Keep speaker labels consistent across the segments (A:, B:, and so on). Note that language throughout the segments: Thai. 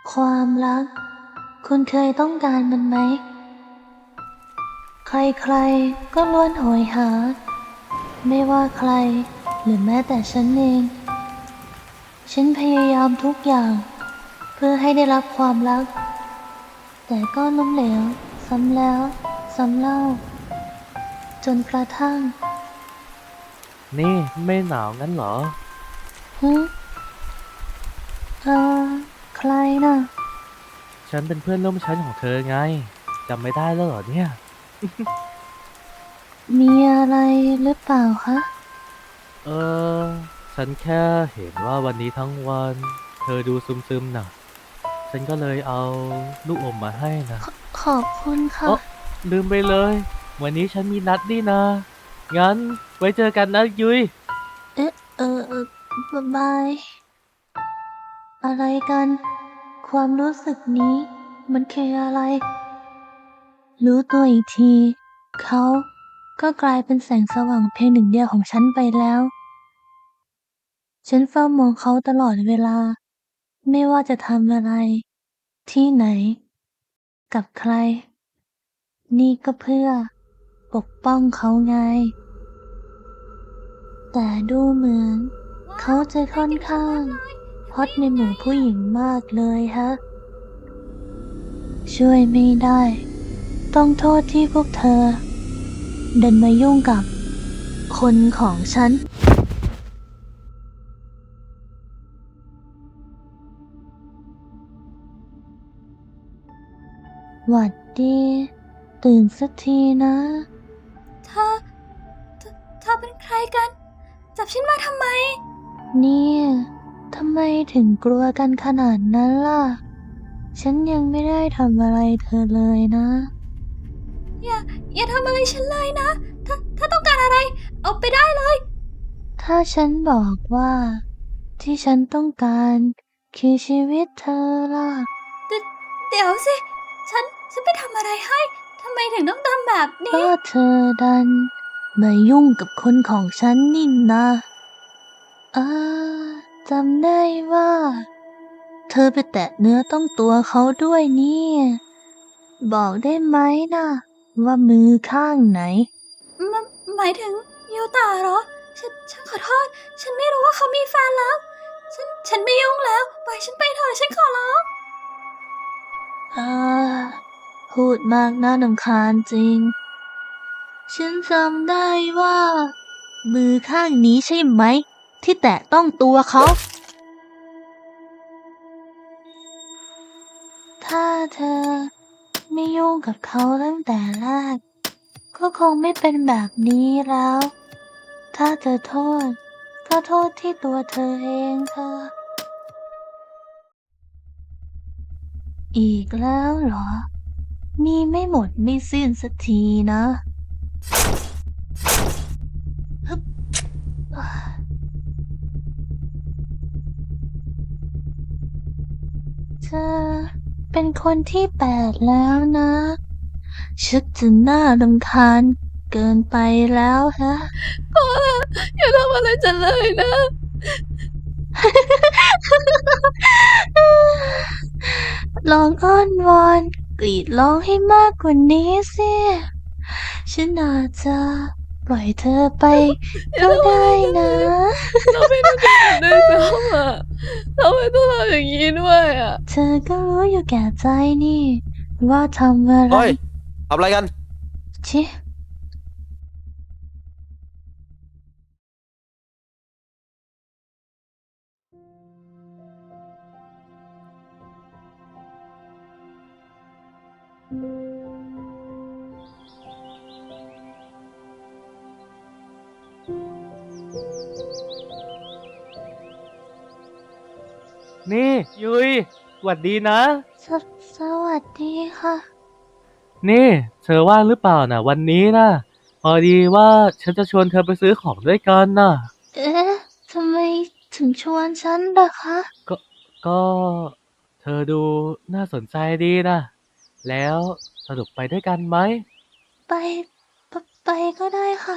A: ความรักคุณเคยต้องการมันไหมใครๆก็ล้วนโหยหาไม่ว่าใครหรือแม้แต่ฉันเองฉันพยายามทุกอย่างเพื่อให้ได้รับความรักแต่ก็ล้มเหลวซ้ำแล้วซ้ำเล่าจนกระทั่ง
B: นี่ไม่หนาวงั้นเหรอ
A: ฮึเออใครน่ะ
B: ฉันเป็นเพื่อนร่วมชั้นของเธอไงจำไม่ได้แล้วเหรอเนี่ย
A: มีอะไรหรือเปล่าคะ
B: เออฉันแค่เห็นว่าวันนี้ทั้งวันเธอดูซึมๆน่ะฉันก็เลยเอาลูกอมมาให้นะ
A: ขอบคุณค่ะ
B: เอ๋อลืมไปเลยวันนี้ฉันมีนัดนี่นะงั้นไว้เจอกันนะยุ้ย
A: เอ๊ะบายอะไรกันความรู้สึกนี้มันคืออะไร รู้ตัวอีกทีเขาก็กลายเป็นแสงสว่างเพียงหนึ่งเดียวของฉันไปแล้วฉันเฝ้ามองเขาตลอดเวลาไม่ว่าจะทำอะไรที่ไหนกับใครนี่ก็เพื่อปกป้องเขาไงแต่ดูเหมือนเขาจะค่อนข้างฮอตในหมู่ผู้หญิงมากเลยฮะช่วยไม่ได้ต้องโทษที่พวกเธอเดินมายุ่งกับคนของฉัน หวัดดีตื่นสักทีนะ
C: เธอเธอเป็นใครกัน จับฉันมาทำไม
A: เนี่ยทำไมถึงกลัวกันขนาดนั้นล่ะ ฉันยังไม่ได้ทำอะไรเธอเลยนะ
C: อย่าอย่าทำอะไรฉันเลยนะ ถ้าต้องการอะไร เอาไปได้เลย
A: ถ้าฉันบอกว่าที่ฉันต้องการคือชีวิตเธอล่ะ
C: เดเดี๋ยวสิ ฉันไปทำอะไรให้ ทำไมถึงต้องทำแบบนี้
A: ก็เธอดันมายุ่งกับคนของฉันนี่นะอ่าจำได้ว่าเธอไปแตะเนื้อต้องตัวเขาด้วยเนี่ยบอกได้ไหมนะว่ามือข้างไหน
C: มหมายถึงยูตาเหรอ ฉันขอโทษ ฉันไม่รู้ว่าเขามีแฟนแล้ว ฉันไม่ยุ่งแล้ว ปล่อยฉันไปเถอะฉันขอร้อง
A: อ่าพูดมากน่ารำคาญจริง ฉันจำได้ว่ามือข้างนี้ใช่ไหมที่แตะต้องตัวเขา ถ้าเธอไม่ยุ่งกับเขาตั้งแต่แรกก็คงไม่เป็นแบบนี้แล้ว ถ้าจะโทษก็โทษที่ตัวเธอเองเธอ อีกแล้วเหรอ มีไม่หมดไม่สิ้นสักทีนะฮึบเธอเป็นคนที่แปดแล้วนะชักจะน่ารำคาญเกินไปแล้วฮะ
C: พอละอย่าทำอะไรฉันเลยนะ
A: ลองอ้อนวอนกรีดร้องให้มากกว่านี้สิฉันอาจจะปล่อยเธอไป
C: อย่า
A: ก็ได้
C: ทำอะไรฉัน
A: นะ
C: เลย เราไม่รู้จักกันด้วยซ้ำอ่ะทำไมต้องทำอย่างนี้ด้วยอ่ะ
A: เธอก็รู้อยู่แก่ใจนี่ว่าทำอะไร
D: เฮ้ยทำอะไรกัน
A: ชิ
B: นี่ยุ้ยหวัดดีนะ
A: สสวัสดีค่ะ
B: นี่เธอว่างหรือเปล่านะวันนี้นะพอดีว่าฉันจะชวนเธอไปซื้อของด้วยกันนะ
A: เอ๊ะทำไมถึงชวนฉันล่ะคะ
B: ก็ก็เธอดูน่าสนใจดีนะแล้วสรุปไปด้วยกันไหม
A: ไปไปไปก็ได้ค่ะ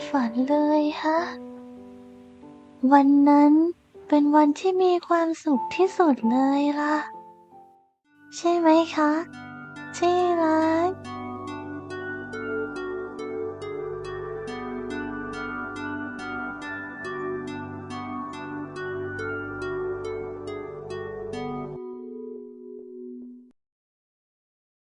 A: ฝันเลยฮะ วันนั้นเป็นวันที่มีความสุขที่สุดเลยล่ะ ใช่ไหมคะ ที่รัก